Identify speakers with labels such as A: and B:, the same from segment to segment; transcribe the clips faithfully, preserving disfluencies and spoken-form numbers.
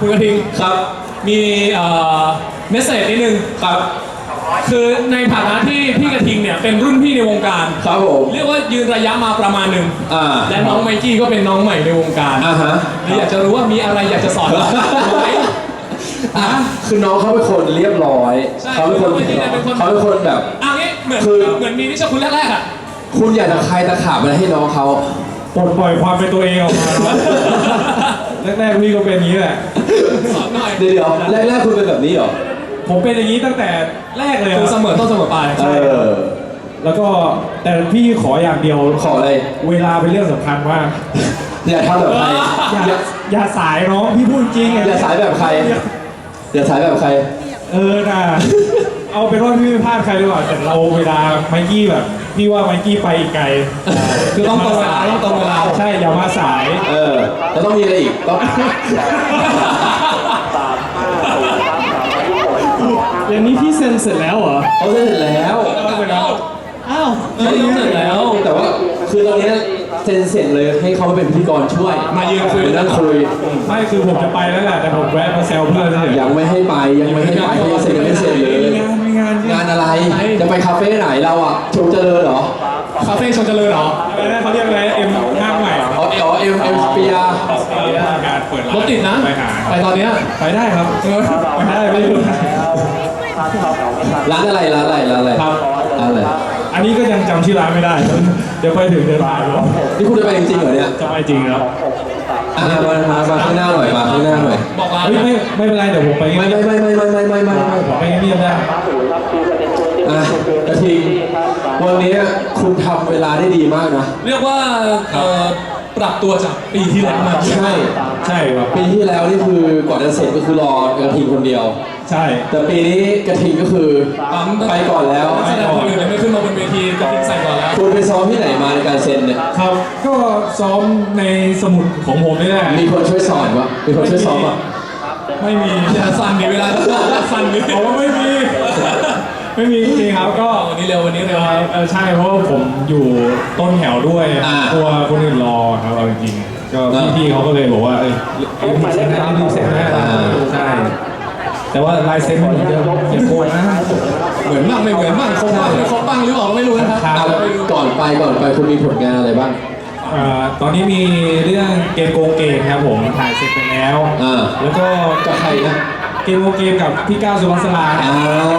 A: คุณกระทิง
B: ครับ
A: มีเอ่อเมสเซจนิดนึง
B: ครับ
A: คือในฐานะที่พี่กระทิงเนี่ยเป็นรุ่นพี่ในวงการ
B: ครับผม
A: เรียกว่ายืนระยะมาประมาณหนึ่ง
B: อ่า
A: และน้องไมกี้ก็เป็นน้องใหม่ในวงการ
B: อ่าฮะ
A: นี่อยากจะรู้ว่ามีอะไรอยากจะสอนเราไหม
B: อ่ะคือน้องเขาเป็นคนเรียบร้อย
A: ใช่
B: เขาเป็นคน
A: เขาเป็นคน
B: เขาเป็นคนแบบ
A: อ่ะงี้เหมือน
B: คือ
A: เหมือนมีนิชคุณแรกๆอ่ะ
B: คุณอยากจะใครตะขาบอะไรให้น้องเขา
C: ปลดปล่อยความเป็นตัวเองออกมาแรกๆพี่ก็เป็นอย่างนี้แหละ
A: สอนหน่อย
B: เดี๋ยวเดี๋ยวแรกๆคุณเป็นแบบนี้เหรอ
C: ผมเป็นอย่างนี้ตั้งแต่แรกเลย
A: คือเส
C: ครับ
A: มอต้นเสมอปลาย
B: เออ
C: แล้วก็แต่พี่ขออย่างเดียว
B: ขออะไร
C: เวลาเป็นเรื่องสำคัญมาก
B: อย่าทำแบบใคร
C: อย่า
B: อย่า
C: อย่าสายน้องพี่พูดจริง
B: อย่าสายแบบใคร อย่าสายแบบใคร
C: เออน่ะเอาเป็นว่าพี่ไม่พลาดใครดีกว่าแต่เราเวลาไมกี้แบบพี่ว่าไมกี้ไปอีกไกล
A: คือต้องตรงเวลาต้องตรงเวลา
C: ใช่อย่ามาสาย
B: เออ แล้วต้องมีอะไรอีก ต้อง
C: อย่างนี้พี่เซ็นเสร็จแล้วเหรอ
B: เขาเสร็จแล้ว
C: อ้าว
A: เออเสร็จแล้ว
B: แต่ว่าคือตอนเนี้ยเซ็นเสร็จเลยให้เขามาเป็นพิธีกรช่วย
A: มายืนคุย
B: นั่งคุย
C: ไม่คือผมจะไปแล้วแหละแต่ผมแวะมาแซวเพื่อนเฉย
B: ยังไม่ให้ไปยังไม่ให้ไปยังเสร็จยังไม่เสร็จเลย
C: มีงานมีงาน
B: งานอะไร จะไปคาเฟ่ไหนเราอ่ะชมเจริญเหรอ
A: คาเฟ่ชนเจริญเหรอ
C: อะไรนะเขาเรียกอะไรเอ็มห้างใหม่
B: อ๋อเอเอ็มเอ็มสเปีย
C: การเปิดร้าน
A: รถติดนะ
C: ไปหา
A: ไปตอนเนี้ย
C: ไปได้ครับ
A: เออ
C: ไปได้ไม่รู้
B: ร้านอะไรร้านอะไรร้านอะไร
C: ครับ
B: ร้านอะไร
C: อันนี้ก็ยังจำชื่อร้านไม่ได้ เดี๋ยวไปถึงเดินมาแล้ว
B: นี่คุณจะไปจริงๆเหรอเนี่ย
C: จะไปจริงครับ
B: อ่ะมามามาข้างหน้าหน่อยมาข้างหน้าหน่อย
A: บอกร้าน
C: เฮ้ยไม่ไม่เป็นไรเดี๋ยวผมไป
B: ไม่
C: เงียบ
B: ไม่ไม่ไม่ไม่ไม่ไม่ไม่ไม่
C: ผมไปเงียบๆได้
B: อ่ะกระทิงวันนี้คุณทำเวลาได้ดีมากนะ
A: เรียกว่าเอ่อปรับตัวจากปีที่แล้วมา
B: ใช่
C: ใช่ครับ
B: ปีที่แล้วนี่คือกว่าจะเสร็จก็คือรอกระทิงคนเดียว
C: ใช่
B: แต่ปีนี้กระทิงก็คือ
A: ปั๊ม
B: ไปก่อนแล้ว
A: แสดงคนอื่นยังไม่ขึ้นมาบนเวทีก็ทิ้งใส่ก่อนแล้ว
B: คุณไปซ้อมที่ไหนมาในการเซ็นเนี่ย
C: ครับก็ซ้อมในสมุดของผมนี่แหละ
B: มีคนช่วยสอนปะมีคนช่วยซ้อมปะ
C: ไม่มี
A: อย่าสั่นดิเวลาสั่นดิ
C: ผมว่าไม่มี ไม่มีจริงๆครับก็
A: วันนี้เร็ววันนี้เร็ว
C: เอ่อเออใช่เพราะว่าผมอยู่ต้นแถวด้วยกลัวคนอื่นรอครับเอาจริงๆก็พี่ๆเขาก็เลยบอกว่าเอ้ยรีบเซ็นนะรีบเซ็นนะใช่แต่ว่าลายเซ็นเหมือนเดิมอย่าโกงนะ
A: เหมือนบ้างไม่เหมือนบ้างคงบ้างไม่คงบ้างหรือเปล่าไม่รู้นะครับ
B: อ่ะก่อนไปก่อนไปคุณมีผลงานอะไรบ้าง
C: เอ่อตอนนี้มีเรื่องเกมโกงเกมครับผมถ่ายเสร็จไปแล้ว
B: อ่า
C: แล้วก็
B: กับใครนะ
C: เกมโกงเกมกับพี่ก้าวสุภัสรา
B: อ่า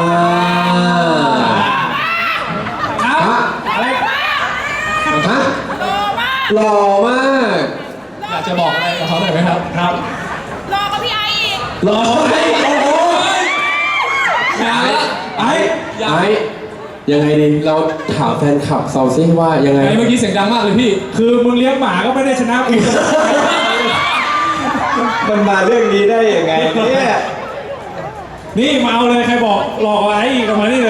C: ครับ
B: ฮะ
C: อะไร
B: ฮะหล่อมาก
A: อยากจะบอกอะไรกับเขาหน่อยไหมครับ
C: ครับ
D: รอกับพี่ไออีก
B: หล่อไหมโอ้โห
A: งานละ
B: ไอ้ไอ้ยังไงดีเราถามแฟนคลับเซาซิว่ายังไง
A: ไอ้เมื่อกี้เสียงดังมากเลยพี่
C: คือมึงเลี้ยงหมาก็ไม่ได้ชนะกู
E: มันมาเรื่องนี้ได้ยังไงเนี่ย
C: นี่มาเอาเลยใครบอกหลอกไอ้อีกกับมานี่เลย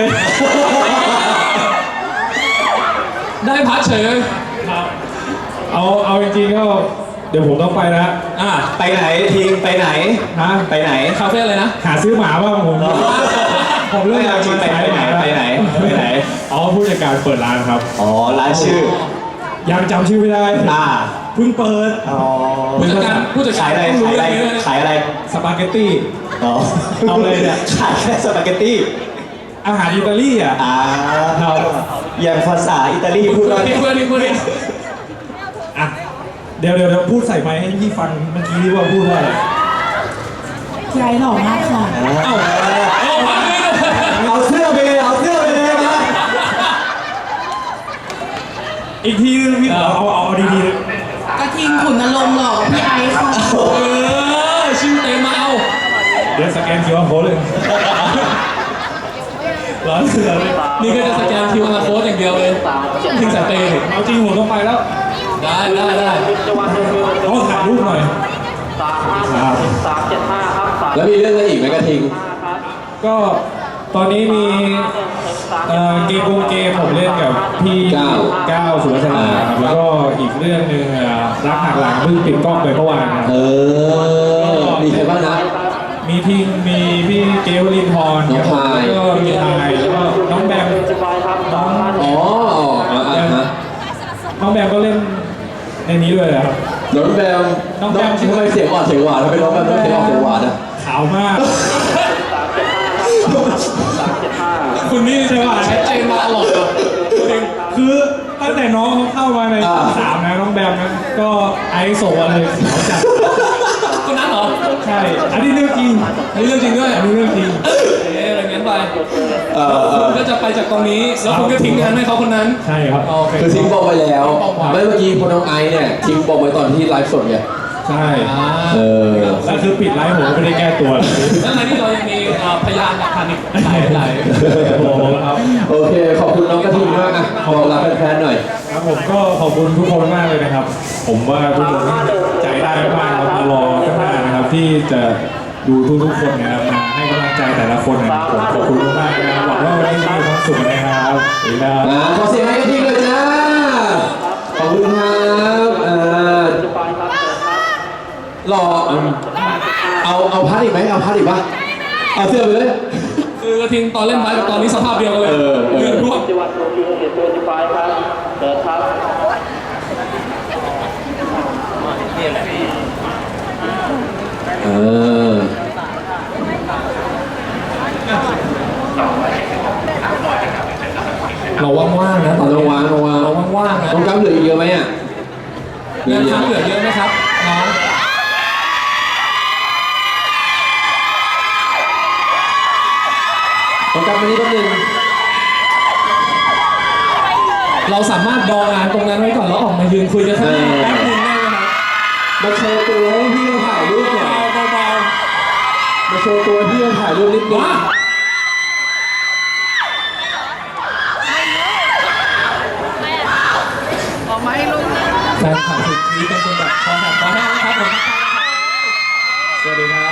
A: ได้พัดเฉย
C: ครับเอาเอาจริงๆก็เดี๋ยวผมต้องไปนะ
A: อ่า
E: ไปไหนทิ้งไปไหน
C: ฮะ
E: ไปไหน
A: คาเฟ่เลยนะ
C: หาซื้อหมาบ้างผมผมเรื่อง
E: ไม่เอาจริงไปไปไหนไปไหนไปไหน
C: อ๋อผู้จัดการเปิดร้านครับ
E: อ๋อร้านชื่อ
C: ยังจำชื่อไม่ได้
E: อ่า
C: เพิ่งเปิด
E: อ๋อ
A: ผู้จัดการผู้จัดกา
E: ขาร ยอะไร
A: ต้องรู้
E: ขายอะไร
A: เรื่องนี้ด้วยนะ
E: ขายอะไร
C: สปาเกตตี้
E: อ๋อ
C: เอาเลยเนี่ย
E: ขายแค่สปาเกตตี้
C: อาหารอิตาลีอ่ะ
E: อ่า
C: ครับ
E: อย่างภาษาอิตาลีพู
A: พู
E: ด
A: ด
E: ว่า
A: นี่พูดนี่พูดนี่
C: อ่ะเดี๋ยวเดี๋ยวเดี๋ยวพูดใส่ไมค์ให้พี่ฟังเมื่อกี้ที่ว่าพูดว่าอะไร
D: พี่ไอหล่อมากค่ะ
A: เอ้าเอ้าพัดเลย
E: เอาเสื้อไปเลยเอาเสื้อไปเลยนะ
C: อีกทีนึงพี่เอาเอาเอาเอาดีๆเลย
D: กระทิงขุนนรงค์หล่อกับพี่ไอค่ะ
A: เออชื่อเต็มมาเอา
C: เดี๋ยวสแกนคิวอาร์โค้ดเลยร้อนเสือเลย
A: นี่ก็จะสแกนคิวอาร์โค้ดอย่างเดียวเลยทิ้งสายเปย์
C: เอาจริงผมต้องไปแล้ว
A: ได้ได้ได้
C: ต้องถ่ายรูปหน่อยครับ
B: แล้วมีเรื่องอะไรอีกไหมกระทิง
C: ก็ตอนนี้มีเอ่อเกมโกงเกมผมเล่นกับพี่
B: ก้าว
C: ก้าวสุวัฒนาครับแล้วก็อีกเรื่องหนึ่งเอ่อรักหักหลังเพิ่งปิดกล้องไปเมื่อวานครับ
B: เออ มีใครบ้างนะ
C: มีทีมมีพี่เกลลินทร์
B: น้องพาย
C: แล้วก็มีทายแล้วก็น้องแบมน้อง
B: อ๋ออ่าอ่าฮะ
C: น้องแบมก็เล่นในนี้ด้วยนะครับ
B: น้องแบม
C: น้องแบม
B: ทำไมเสียงอ่อนเสียงหวานทำไมน้องแบมต้องเสียงอ่อนเสียงหวานอ่ะ
C: ขาวมาก คุณนี่ใช่ป่ะ
A: ชัดเจนมาตลอดเลย
C: คือตั้งแต่น้องเขาเข้ามาใน
B: อ่า
C: สามนะน้องแบมนะก็ไอซ์ส่งมาเลยเขาจัด
A: คนนั้นเหรอ
C: ใช่ อันนี้เรื่องจริง
A: อันนี้เรื่องจริงด้วย
C: อันนี้เรื่องจริง
A: เอ๊ะอะไรงั้นไป
B: เออเออ
A: คุณก็จะไปจากตรงนี้ แล้วคุณก็ทิ้งงานให้เขาคนนั้น
C: ใช่ครับ
A: โอเค
B: คือทิ้งบอมไปแล้ว
A: ทิ้งบอมไว้
B: ไม่เมื่อกี้คุณน้องไอซ์เนี่ยทิ้งบอมไว้ตอนที่ไลฟ์สดไง
C: ใช่
A: อ่า
B: เออ
C: แล้วคือปิดไลฟ์ผมก็ไม่ได้แก้ตัวเลย
A: แล้วในที่เรายังมีเอ่อพยานหลักฐานอีกหลายหลาย
C: โอ้โหครับ
B: โอเค ขอบคุณน้องกระทิงมากนะบอกลาแฟนๆหน่อย
C: ครับผมก็ขอบคุณทุกคนมากเลยนะครับ ผมว่าทุกคนใจได้มากๆครับมารอข้างหน้านะครับที่จะดูทุกๆคนนะครับมาให้กำลังใจแต่ละคนนะครับผมขอบคุณมากๆนะครับหวังว่าวันนี้จะมีความสุขนะครับสวัสดีครับ
B: อ่าขอเสียงให้กระทิงเลยจ้า ขอบคุณครับอ่าหล่ออืมเอาเอาพัดอีกไหมเอาพัดอีกปะเอาเสื้อไปเลย
A: คือกระทิงตอนเล่นไม้กับตอนนี้สภาพเดียวกันเลย
B: เออเออ
A: เลือดท่วม
F: จังหวัดโตเกียวเขตตัวจีไฟครับเปิดครับ
B: เออ
A: เราว่างๆนะตอน
B: น้
A: นี้
B: องวางน้องวาง
A: เราว่างๆนะ
B: น้องกั๊บเหลืออีกเยอะไหมอ่ะ
A: งานค้างเหลือเยอะไหมครับน้อง
B: น้องกั๊บมานี่แป๊บนึง
A: เราสามารถดองงานตรงนั้นไว้ก่อนแล้วออกมายืนคุยกันสักนิดแป๊บนึงได้ไหมครับ
B: มาโชว์ตัวให้พี่เราถ่ายรูปหน่อย
A: เบา
B: มาโชว์ตัวให้พี่เราถ่ายรูปนิด
A: ๆ
B: นึง
A: ว้าแฟนคลับถึงกรี๊ดกันจนแบบคอแหบคอแห้งนะครับผม
B: สวัสดีครับ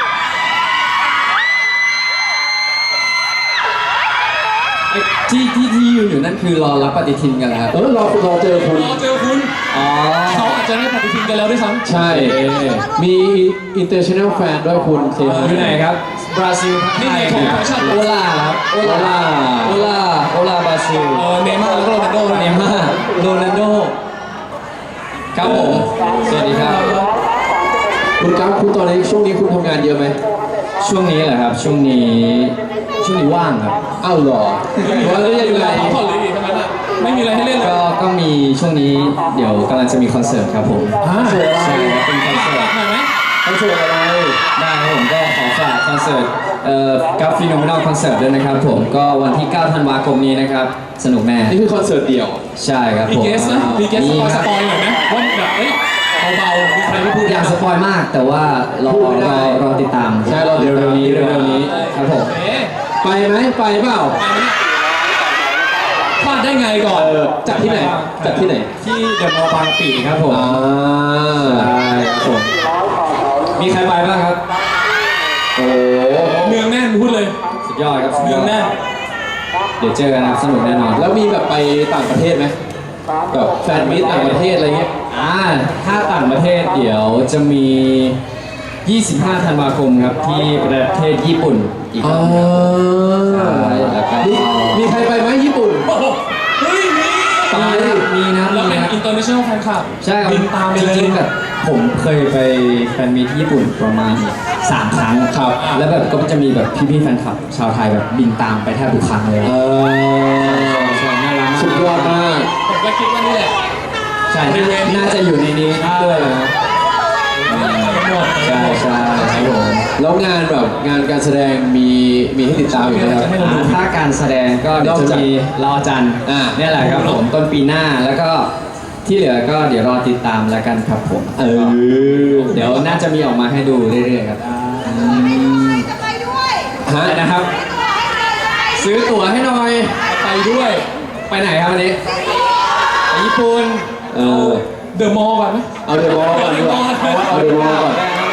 E: ที่ที่ที่ยืนอยู่นั่นคือรอรับปฏิทินกันแล้วครับ
B: เออรอรอเจอคุณ
A: รอเจอคุณ
E: อ๋อ
A: เขาอาจจะได้ปฏิทินกันแล้วด้วยซ้ำ
B: ใช่ มี international fan ด้วยคุณเซฮาย
E: อยู่ไหนครับ บราซิลทัก
A: นี่
E: ทาย
A: ไงของแฟชั่น
E: โอลาครับ โอลา โอลา โอลาบราซิล
A: เออเนย์ม่าร์แล้วก็โรนัลโดนะ
E: เนย์ม่าร์โรนัลโด ครับผม สวัสดีครับ
B: คุณกั๊บคุณตอนนี้ช่วงนี้คุณทำงานเยอะไหม
E: ช่วงนี้เหรอครับ ช่วงนี้ ช่วงนี้ว่างครับ
B: อ้าวเหรอ
A: ไม่มี
B: ว่า
A: อะไร
B: แล้ว
A: ให้
B: ยัง
A: เล่น
B: ไง
A: เลยพักผ่อนเลยดิทั้งนั้นอ่ะไม่มีอะไรให้เล่นเลย
E: ก็ ก็มีช่วงนี้เดี๋ยวกำลังจะมีคอนเสิร์ตครับผม
A: อ่า
B: เสิร์ตอะไร
E: ใช่ครับเป็นคอนเสิร์ต
A: หน่อยไหม
B: คอนเสิร์ตอะไร
E: ได้ครับผมก็ขอฝากคอนเสิร์ตเอ่อกับฟีโนเมนอลคอนเสิร์ตด้วยนะครับผมก็วันที่ เก้า ธันวาคมนี้นะครับ สนุกแน่
B: นี่คือคอนเสิร์ตเดี่ยว
E: ใช่ครับ
A: มี
E: ผม
A: เกสนะมีเกสส
E: มี
A: ปอย
E: ค
A: ส
E: รับ
A: ปอยหน่อยไหมว่าแบบเฮ้ยเบาๆมีใครไม่พูด
E: อยากสปอยมากแต่ว่ารอ
B: พูดไม่
E: ร
B: ได้
E: อรอติดตาม
B: ใช่รอติดตาม
E: เร็วๆนี้เร็วๆนี้ครับผม
A: เอ๊ะ
B: ไปไหมไปเปล่า
A: ไปไหมเนี่ยพลาดได้ไงก่อน
B: เออจัดที่ไหน จัดที่ไหน
E: ที่เดอะมอลล์บางกะปิครับผม
B: อ่า
E: ใช่ครับผมมีใครไปบ้างครับ
B: โอ้
A: เนืองแน่นพูดเลย
E: สุดยอดครับสุด
A: เนื
E: ย
A: อ
E: อง ด
A: แน่น
E: เดี๋ยวเจอกันนะครับสนุกแน่นอน
B: แล้วมีแบบไปต่างประเทศไหมแบบแฟนมิตรต่างประเทศอะไรเงี้ย
E: อ่าถ้าต่างประเทศเดี๋ยวจะมี ยี่สิบห้า ธันวาคมครับที่ประเทศญี่ปุ่นอีกค
B: อ่า
E: รั้งครับใช่แล้วก็
B: มีมีใครไปไหมญี่ปุ่น
A: โอ้โหเฮ้ยมี
B: ไป
E: มีนะ
A: แล้ว
E: มี
A: เป็น
E: นะ
A: อินเตอร์เนชั่นแนลแฟนคลับ
E: ใช่ครับ
A: บินตามไป
E: จ
A: เลย
E: ริงๆแบบผมเคยไปแฟนมีตที่ญี่ปุ่นประมาณสามครั้งครับแล้วแบบก็จะมีแบบพี่ๆแฟนคลับ ชาวไทยแบบบินตามไปแทบทุกครั้งเลย
B: เออ
E: ใช่น่ารักมาก
B: สุดยอดมาก
A: ผมก็คิดว่านี่แหละ
E: ใช่น่าจะอยู่ในนี้ด้วยนะ
A: หมด
E: ใช่ใช่ครับผม
B: แล้วงานแบบงานการแสดงมีมีให้ติดตามอยู่ไหมครับ
E: ถ้าการแสดงก็เดี๋ยวจะมีรอจันทร์
B: อ่า
E: เนี่ยแหละครับผมต้นปีหน้าแล้วก็ที่เหลือก็เดี๋ยวรอติดตามแล้วกันครับผม
B: เออ
E: เดี๋ยวน่าจะมีออกมาให้ดูเรื่อยๆครับอืม
B: ฮะ
E: นะครับ ซื้อตั๋วให้หน่อย
A: ไปด้วย
E: ไปไหนครับวันนี้ไปญี่ปุ่น
B: เออ
A: เดอะมอลล์ก่อนไหม
B: เอาเดอะมอลล์ก่อนดีกว่าเอาเดอะมอลล์ก่อน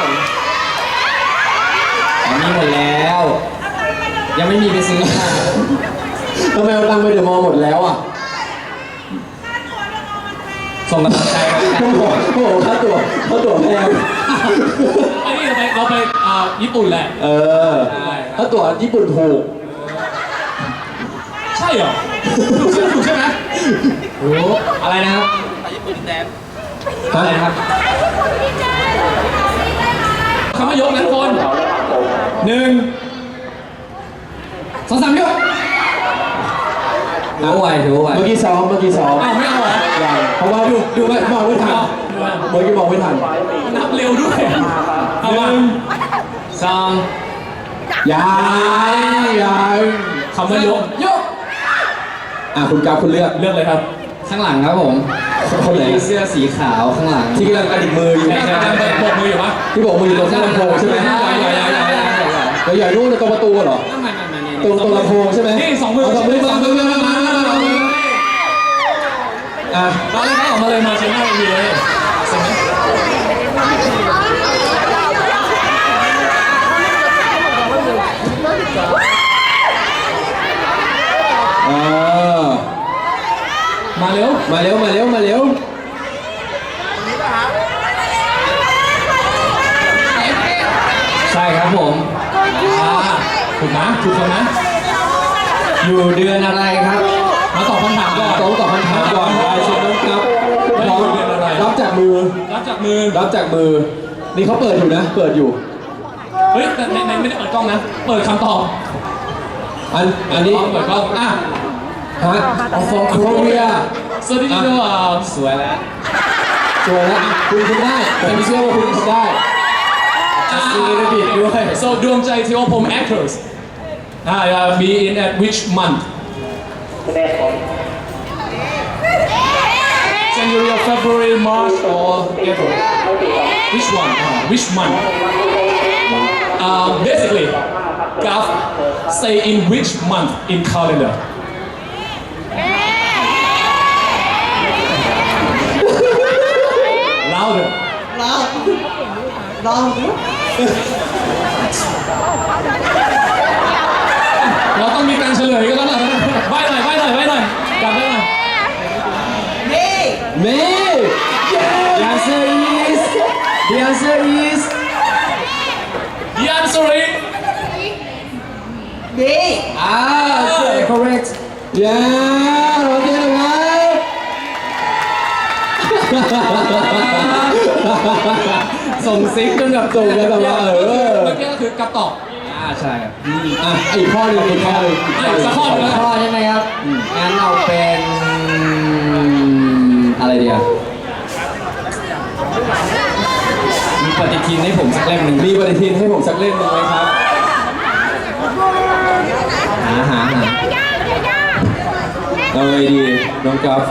E: อ๋อมีหมดแล้ว ยังไม่มีไปซื้อค่ะ
B: ทำไมเอาตังค์ไปเดอะมอลล์หมดแล้วอ่ะ
E: ส่งกำลังใจกัน
B: โอ้โหโอ้โหค่าตั๋วค่าตั๋วแพง
A: ไอ้นี่เราไปเราไปอ่าญี่ปุ่นแหละ
B: เออค่าตั๋วญี่ปุ่นถูก
A: ใช่เหรอถูกใช่ถูกใช่ไหม
E: รู้อะไรนะครับอะไรนะครับ
A: คำว่ายกนะทุกคน
C: หนึ่ง
E: สองสามยกถือว่าไหวถือว่าไหว
B: เมื่อกี้ซ้อมเมื่อกี้ซ้อม
A: อ้าวไม่เอาเหรอ
B: ยังเพราะว่าดูดูไม่มองไม่ทันเมื่อกี้มองไม่ทัน
A: นับเร็วด้วยเอา
C: ห
A: ว่า
C: นึ่ง
E: สอง
B: ยังยัง
A: คำว่ายก
E: ยก
B: อ่ะคุณกราฟคุณเลือก
A: เลือกเลยครับ
E: ข้างหลังครับผม
B: คนไหน
E: เสื้อสีขาวข้างหลัง
B: ที่กำลังกระดิกมืออยู่
A: ใช่ใช่ใช่โบกมืออยู่ปะ
B: ที่บอกมืออยู่ตรงข้างลำโพงใช่ไหม
A: ใช่ใช่ใช่ใช่ใช่
B: เราอย่านู่นตรงประตูเหรอ
E: ไม่ไม่ไม่ไม่
B: ตรงตรงลำโพงใช่ไหม
A: นี่สองมือ
B: เาสองมือมามือมามามามาอ่ะ
A: มาเลยครับออกมาเลยมาเชิญหน้าเวทีเลยเสร็จไหม
B: เออ
A: มาเร็ว
B: มาเร็วมาเร็วมาเร็ว
E: ใช่ครับผม
A: อ่าถูกนะถูกคนนะ
E: อยู่เดือนอะไรครับ
A: มาตอบคำถามก่อน
B: ต้องตอบคำถามก่อนได้เชิญน้องครับพร้อม
A: เรียนอะไร
B: รับจากมือ
A: รับจากมือ
B: รับจากมือ นี่เขาเปิดอยู่นะ เปิดอยู่
A: เฮ้ยแต่ในในไม่ได้เปิดกล้องนะ เปิดคำตอบ
B: อันอันนี้
A: เปิดกล้องอ่ะ
B: ฮะออฟโคเรีย
A: สวัสดีครับ
E: สวยแล้ว
B: สวยแล้วคุณคุณได้ผมเชื่อว่าคุณทำได้
A: ซีรีส์บิดด้วย so ดวงใจที่ว่าผม actors อ่า be in at which month January or February March or April which one uh, which month uh, basically Gaf stay in which month in calendar louder เราต้องมีการเฉลยกันแล้วล่ะใบ้หน่อยใบ้หน่อยใบ้หน่อยกลับไปหน่อย
B: เมย์
E: The answer is The answer is
A: The answer is
E: อ่า correct
B: ยาโอเคนะครับ
E: ส่งซิกจนแบบ
B: ส่งกันแบบว่าเออ
A: เมื่อกี้ก็คือกระตอบ
E: อ่าใช่ครับ
B: อ่ะอีกข้อหนึ่งอีกข้อหนึ่ง
A: อ่ะอีกสักข้อหนึ่ง
E: ข้อใช่ไหมครับงั้นเราเป็นอะไรเดียวมีปฏิทินให้ผมสักเล่มหนึ่ง
B: มีปฏิทินให้ผมสักเล่มหนึ่งไหมครับ
E: หาหาหา
B: เอาไงดีน้องกัฟ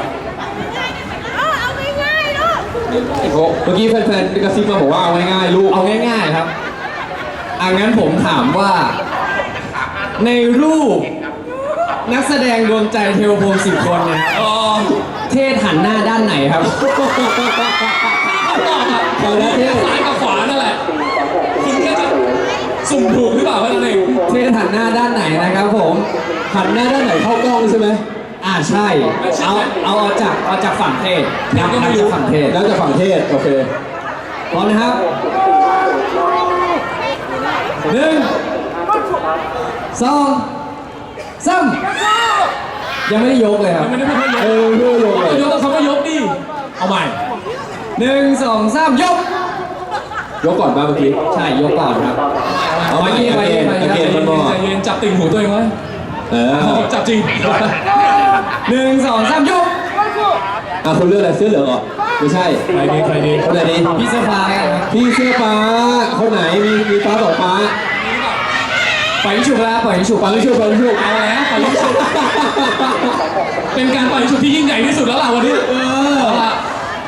B: เมื่อกี้แฟนๆกระซิบมาบอกว่าเอาง่ายๆลูก
E: เอาง่ายๆครับอ่ะงั้นผมถามว่า ในรูปนักแสดงดวงใจเทวพรหมสิบคนเนี่ย
A: อ๋อ
E: เทศหันหน้าด้านไหนครับ
A: ตอบอ่ะ
B: เอาละเท่
A: ซ้ายกับขวานั่นแหละ คุณแค่จะสุ่มถูกหรือเปล่าแค่นั้นเอง
E: เทศหันหน้าด้านไหนนะครับผม
B: หันหน้าด้านไหนเข้ากล้องใช่ไหม
E: อ่าใช่ เอาเอาเอาจากเอาจากฝั่งเทศนับนับจากฝั่งเทศ
B: แล้วจะฝั่งเทศโอเค
E: พร้อมนะครับหนึ่งสองสามยังไม่ได้ยกเลยครับ
A: ไม่ได้ไม่ได้ยก
B: เออเพื่อลงเลย
A: ยกต้องคำว่ายกดิ เอาใหม่
E: หนึ่งสองสามยก
B: ยกก่อนมาเมื่อกี้
E: ใช่ยกก่อนครับ
B: เอาไป
E: ไป
B: เก
E: ไป
B: ณฑ์
E: ไป
B: ไปเกณฑ์
A: ใจ
B: มันบ
A: เย็
B: อนก
A: ใจเย็นจับติ่งหูตัวเองไว้
B: เออ
A: จับจริง
E: หนึ่งสองสามยก
B: อ่ะคุณเลือกอะไรเสื้อเหลืองเหรอไม่ใช่
A: ใครดีใครดี
B: คนไหนดี
E: พี่เสื้อฟ้าครับ
B: พี่เสื้อฟ้าคนไหนมีมีฟ้าต่อฟ้า
E: ปล่อยยิงฉุบแล้วปล่อยยิงฉุบ
B: ฟังชุบฟังชุบ
A: เอาแล้วปล่อยยิงฉุบเป็นการปล่อยยิงฉุบที่ยิ่งใหญ่ที่สุดแล้วล่ะวันนี้
B: เออ
A: เอาล่ะ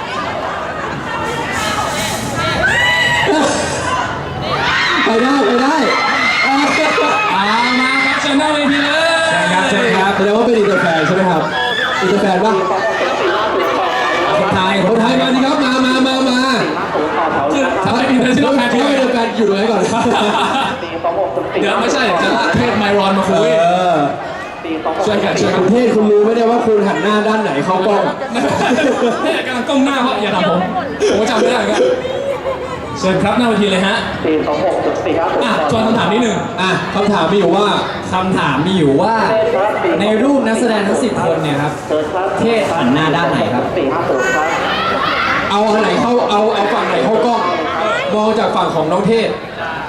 B: ไปได้ไปได้
A: อ่ามาครับเชิญหน้าเวทีเลย
E: ครับเชิญครับ
B: แสดงว่าเป็นอินเตอร์แฟนใช่ไหมครับอินเตอร์แฟนป่ะ
E: คนไทย
B: คนไทยมาดิครับมามามามา
A: คือถ้าเป็นอินเตอร์เนชั่นแนลแฟน
B: ถ้าเป็นอินเตอร์แฟนอยู่ตรงไหนก่อน
A: เดี๋ยวไม่ใช่เดี๋ยวจะลากเทศไมรอนมาคุย
B: เออ
A: ช่วยกันช่วยกัน
B: คุณเทศคุณรู้ไหมเนี่ยว่าคุณหันหน้าด้านไหนเข้ากล้อง
A: เนี่ยกำลังก้มหน้าเพราะอย่าทำผมผมจำไม่ได้ครับเชิญครับหน้าเวทีเลยฮะ
F: สี่สองหกจุดสี่ห้าศูนย์
A: อ่ะชวนคำถามนิดหนึ่ง
B: อ่ะคำถามมีอยู่ว่า
E: คำถามมีอยู่ว่า ในรูปนักแสดงทั้งสิบคนเนี่ยครับ
F: เชิญครับ
E: เทศหันหน้าด้านไหนครับ
F: สี่ห้าศูนย์ครับ
B: เอาเอาอันไหนเข้าเอาเอาฝั่งไหนเข้ากล้องมองจากฝั่งของน้องเทศ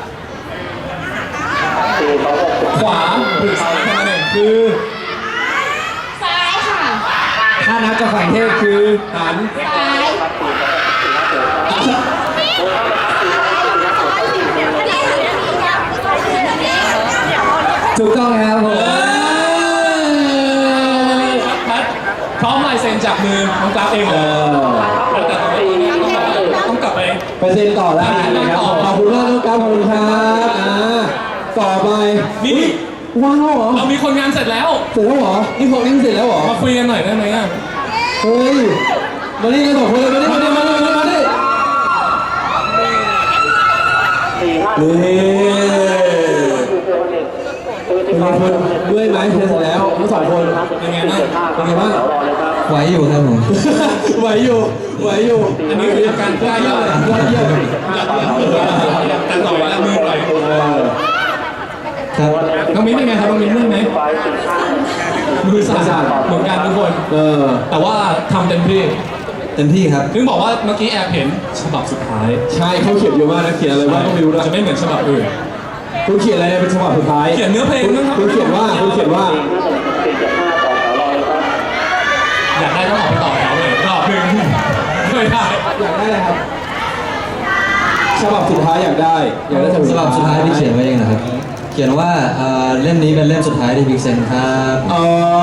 A: ขวาหรือซ้ายแค่นั้นเอง
B: คือ
D: ซ้ายค่ะ
B: ถ้านับจากฝั่งเทศคือหัน
D: ซ้าย
E: ถูกต้องครับผม
A: พัดพร้อมลายเซ็นจากมือน้องกราฟเองเหรอแต่ตอนนี้ต้องกลับไป
B: ไปเซ็นต่อแล้วนะครับขอบคุณมากน้องกราฟขอบคุณครับอ่าต่อไป
A: นี่
B: ว้าวเหรอ
A: เรามีคนงานเสร็จแล้ว
B: เสร็จแล้วเหรอนี่พวกนี้เสร็จแล้วเหรอ
A: มาคุยกันหน่อยได้ไหมอ่ะ
B: เฮ้ยมานี่กันสองคนเลยมานี่มานี่มานี่มานี่มานี่
F: สี่ห้า
B: นี่
F: คือเทวเด็กคือเทวเด็ก
B: เมื่อยไหมเสร็จแล้วทั้งสองคน
A: เป็นไงบ้าง
B: เป็นไงบ้าง
F: รอเลยครับ
E: ไหวอยู่ครับผม
B: ไหวอยู่ไหวอยู่
A: อันนี้คืออาการใกล้แล้วเลย
B: ยอดเยี่ยม
A: แต่ต่อยแล้วมือต่อย
E: ครับ
A: น้องมิ้นเป็นไงครับน้องมิ้นเมื่อยไหม
F: ไฟสี่ห้า
A: มือสั่นเหมือนกันทุกคน
B: เออ
A: แต่ว่าทำเต็มที่
E: เต็มที่ครับ
A: ถึงบอกว่าเมื่อกี้แอบเห็นฉบับสุดท้าย
B: ใช่เขาเขียนเยอะมากนะเขียนอะไรบ้างก็ไม่รู้นะ
A: จะไม่เหมือนฉบับอื่น
B: คุณเขียนอะไรเป็นฉบับสุดท้าย
A: เขียนเนื้อเพลงนะครับ
B: คุณเขียนว่าคุณเขียนว่า
F: สี่เจ็ดห้าต่อแถวรอเลยครับ
A: อยากได้ต้องออกไปต่อแถวเลยรอบหนึ่งไม่ได้
B: อยากได้อะไรครับฉบับสุดท้ายอยากได้อยากได้
E: ฉบับสุดท้ายที่เขียนไว้เองนะครับ เขียนว่าเอ่อเล่มนี้เป็นเล่มสุดท้ายที่พิกเซนครับ
B: อ๋อ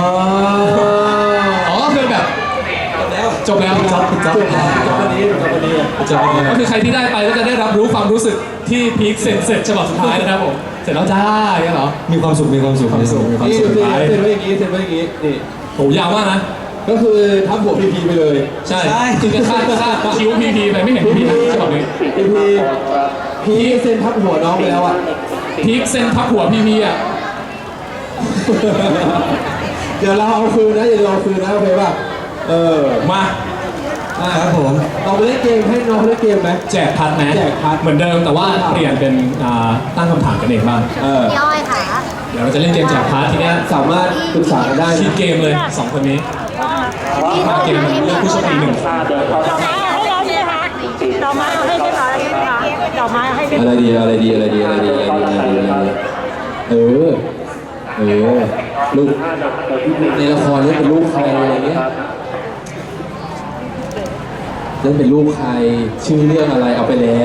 A: อ๋อคือแบบจบแล้ว
E: จบจบ
B: จบจบวันนี้จบวันนี้
E: จบแล้ว
A: ก็คือใครที่ได้ไปก็จะได้รับรู้ความรู้สึกที่พีคเสร็จเสร็จฉบับสุดท้ายนะครับผมเสร็จแล้วจ้าอย่างเงี้ยเหรอ
E: มีความสุขมีความสุขมีความสุขมีความ
B: นี่
E: สุข
B: เซ็นเซ็นไว้อย่างนี้เซ็นไว้อย่างนี้นี่
A: โหยาวมากนะ
B: ก็คือทับหัวพีพีไปเลย
A: ใช่คือจะคาดคาดคิ้วพีพีไปไม่เห็นพีพีนะฉบับนี้
B: พีพีพีเซ็นทับหัวน้องไปแล้วอ่ะ
A: พีคเซ็นทับหัวพีพีอ่ะ
B: เดี๋ยวเราเอาคืนนะเดี๋ยวเราเอาคืนนะโอเคป่ะเออ
A: มา
E: ครับผม
B: เราไปเล่นเกมให้น้องเขาเล่นเกมไหม
A: แจกพัดนะ
B: แจกพัด
A: เหมือนเดิมแต่ว่าเปลี่ยนเป็นอ่าตั้งคำถามกันเองบ้าง
B: เออ
G: พี่อ้อยค่ะ
A: เดี๋ยวเราจะเล่นเกมแจกพัดทีเนี้ย
B: สามารถปรึกษากันได้
A: คิด
B: นะ
A: เกมเลยสองคนนี้มาเกมมันเลือกผู้โชคดีหนึ่งคน
F: เดินเข้าทาง
G: ดอกไม้เอาให้เรียบร้อยแล้วใช่ไหมคะดอกไม้เอาให้เรียบ
B: อะไรดีอะไรดีอะไรดีอะไรดีอะไรดีอะไรดีอะไรดีเออเออลูกในละครเล่นเป็นลูกใครอะไรเงี้ยเล่นเป็นลูกใครชื่อเรื่องอะไรเอาไปแล้ว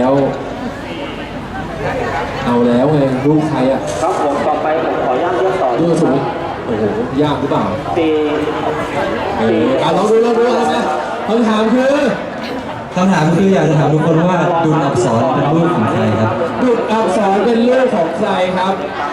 B: เอาแล้วไงลูกใครอ่ะ
F: ครับผมต่อไปผมขออนุญาตเลือกต่อ
B: ดูสมมติโอ้โหยากหรือเปล่า
F: สี่
B: เอออ่ะลองดูลองดูเอาไหมคำถามคือ
E: คำถามคืออยากจะถามทุกคนว่าดุลอักษรเป็นรูปของใครครับ
B: ดุจอักษรเป็นลูกของใครครับ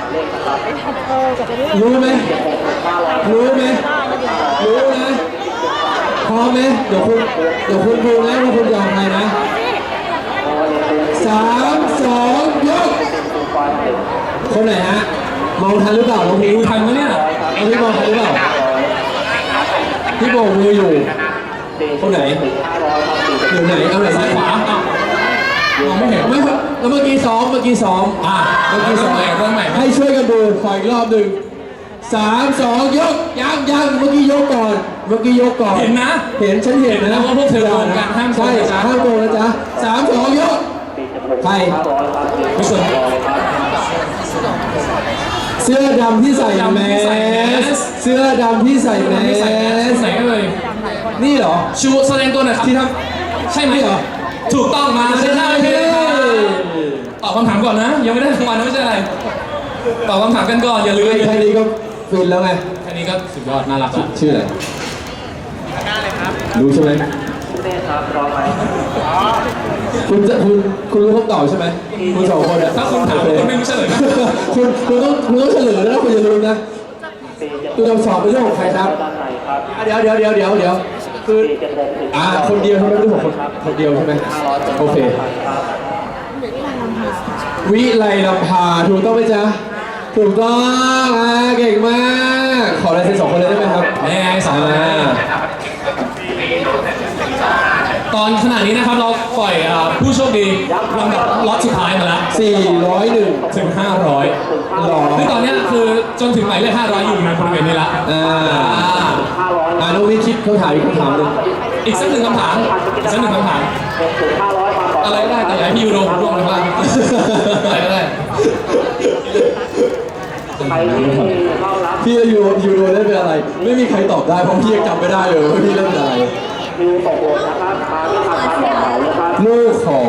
B: รู้ไหมรู้ไหมรู้นะพร้อมไหมเดี๋ยวคุณเดี๋ยวคุณดูนะว่าคุณยอมใครนะสามสองยกคนไหนฮะมองทันหรือเปล่าน้องพี
A: ดูทันไหมเนี่ย
B: น้องพีมองทันหรือเปล่าที่โบกมืออยู่คนไหนอยู่ไหนเอาไหน
A: ซ้ายขวาอ้าวมองไม่เห็น
B: ไม่ครับแล้วเมื่อกี้ซ้อมเมื่อกี้ซ้อม
A: อ่ะ
B: เมื่อกี้
A: เริ่
B: ซ้
A: ม
B: อม
A: ใหม่เริ่มใหม่
B: ให้ช่วยกันดูขออีกรอบหนึ่งสามสองยกยังยังเมื่อกี้ยกก่อน เมื่อกี้ยกก่อน
A: เห็นนะ
B: เห็นฉันเห็น
A: เห็น
B: นะ
A: นะว่าพวกเธอโกงกันห้ามโกง
B: ใช่
A: นะจ๊ะ
B: ห้ามโกงนะจ๊ะสามสองยกใคร
A: ไม่สน
B: เสื้อดำที่ใส่แมสเสื้อดำที่ใส่แม
A: ไม่ใส่แมส
B: ส
A: ไหนเอ่ย
B: นี่เหรอ
A: ชูแสดงตัวหน่อยครับ
B: ที่ท
A: ใช่ไหม
B: นี่เหรอ
A: ถูกต้องมา
B: ำ
A: ใช่ได้เลยตอบคำถามก่อนนะ ยังไม่ได้รางวัลนะไม่ใช่อะไรตอบคำถามกันก่อนอย่าลืม
B: แค่นี้ก็ฟินแล้วไง
A: แค่นี้ก็สุดยอดน่ารักละ
B: ชื่ออะไรรู้ใช่ไหม
F: เต้ครับรอไหม
B: คุณจะคุณคุณรู้คำตอบใช่ไหมคุณสองคนอะ
A: ถ้าคุณถามคุณไม่รู้เฉลยนะ
B: คุณคุณต้องคุณต้องเฉลยแล้วนะคุณอย่าลืมนะ
F: สี่เจ็ด
B: ตัวคำสอบเป็นเรื่องของใครครับ
F: ด้านในครับ
B: อ่ะเดี๋ยวเดี๋ยวเดี๋ยวเดี๋ยวเดี๋ยวคือ
F: สี่เจ็ดหกถึง
B: อ่าคนเดียวใช่ไหมไม่ใช่ผมคนคนเดียวใช่ไหม
F: ห้าร้อยเป็น
B: โอเค
F: ครับ
B: วิไลลำพาถูกต้องไหมจ๊ะถูกต้องอ่าเก่งมากขอลายเซ็นสองคนเลยได้ไหมครับ
A: แน่สอง
B: อ่า
A: นะตอนขณะนี้นะครับเราปล่อยอ่าผู้โชคดีลำดับล็อตสุดท้ายมาแล้ว
B: สี่ร้อยหนึ่ง
A: ถึง ห้าร้อย
B: หรอ
A: คือตอนเนี้ยคือจนถึงหมายเลขห้าร้อยอยู่ในบริเวณนี้ละ
B: อ่า
A: อ่า
B: อ่าน้องวิทย์คิดคำถามอีกคำถามหนึ่ง
A: อีกสักหนึ่งคำถามอีกสักหนึ่งคำถาม
F: หกถึงห้าร้อยมาก่อน
A: อะไรก็ได้แต่อย่าให้พี่ยูโรร่วงเลยบ้างอะไรก็ได้
F: ใครที่เข้ารับ
B: พี่ยูยูโรเล่นเป็นอะไร ไม่มีใครตอบได้เพราะพี่ยังจำไม่ได้เลยว่าพี่เล่นเป็นอะไร
F: คิวตกโหดนะครับมาไม่ทันมาต่อแถวนะครับ
B: ลูกของ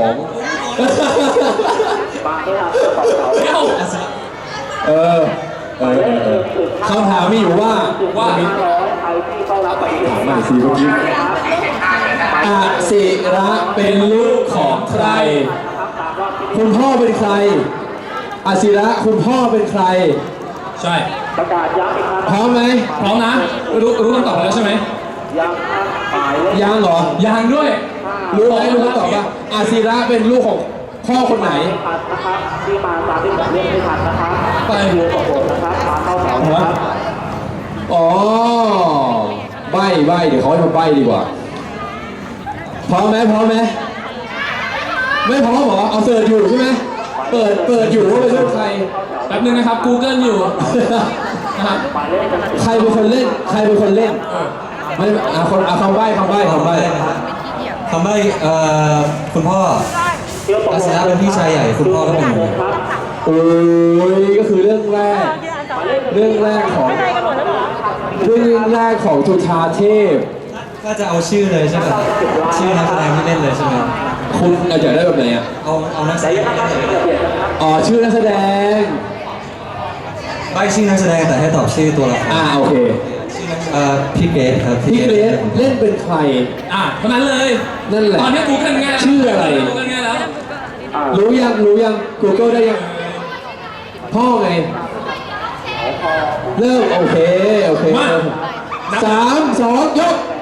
F: มาไม่ทันมาต่อแถว
A: เดี๋ยว
B: เออเออเออเออคำถามมีอยู่ว่า
A: ว่า
F: ห้าร้อยใครที่เข้ารับไปอีก
B: ถามใหม่สิเมื่อกี้อาศิระเป็นลูกของใคร คุณพ่อเป็นใครอาศิระคุณพ่อเป็นใคร
A: ใช่
F: ประกาศย้ำอีกครั้ง
B: พร้อมไหม
A: พร้อมนะรู้รู้คำตอบแล้วใช่ไหม
F: ย้ำครับหมายเลข
B: ยังเหรอ
A: ยังด้วย
B: รู้ไหมรู้คำตอบป่ะอาศิระเป็นลูกของพ่อคนไหน
F: ทันนะครับที่มาตามที่ผมเรียกไม่ทันนะครับคิวตกโหดนะครับมาเข้าแถวนะครับ
B: อ๋อใบใบเดี๋ยวเขาให้มาใบดีกว่า พร้อมไหมพร้อมไหมไม่พร้อมเหรอ เอาเสิร์ชอยู่ใช่ไหมเปิดเปิดอยู่ว่าเป็นลูกใคร
A: แป๊บนึงนะครับ Google อยู่นะครับ
F: หมายเลขจะ
B: ใครเป็นคนเล่น ใครเป็นคนเล่นไม่อ่ะคนอ่ะคำใบ้คำใบ้คำใบ้
H: คำใบ้เอ่อคุณพ่อ
F: คิวตก
H: อา
F: โห
H: ศิ
F: ด
H: ระเป็นพี่ชายใหญ่คุณพ่อก็เป็นหนู
F: ครับ
B: โอ้ยก็คือเรื่องแรก เรื่องแรกของ
G: ไม่ได้กันหมดแล้วเหรอ
B: เรื่องแรกของจุฑาเทพ
H: ก็จะเอาชื่อเลยใช่ไหมชื่อนักแสดงที่เล่นเลยใช่ไหม
B: คุณอยากได้แบบไหนอ่ะ
H: เอาเอานักแสดง
B: อ๋อชื่อนักแสดง
H: ใบชื่อนักแสดงแต่ให้ตอบชื่อตัวละคร
B: อ่าโอเค
H: เอ่อพี่เกรซครับ
B: พี่เกรซเล่นเป็นใคร
A: อ่ะเท่านั้นเลย
B: นั่นแหละ
A: ตอนนี้ Google ง่ายแล้ว
B: ชื่ออะไร
A: Google ง่ายแล้ว
B: รู้ยังรู้ยัง Google ได้ยัง พ่อไง เริ่มโอเค โอเค
A: มา
B: สามสองยก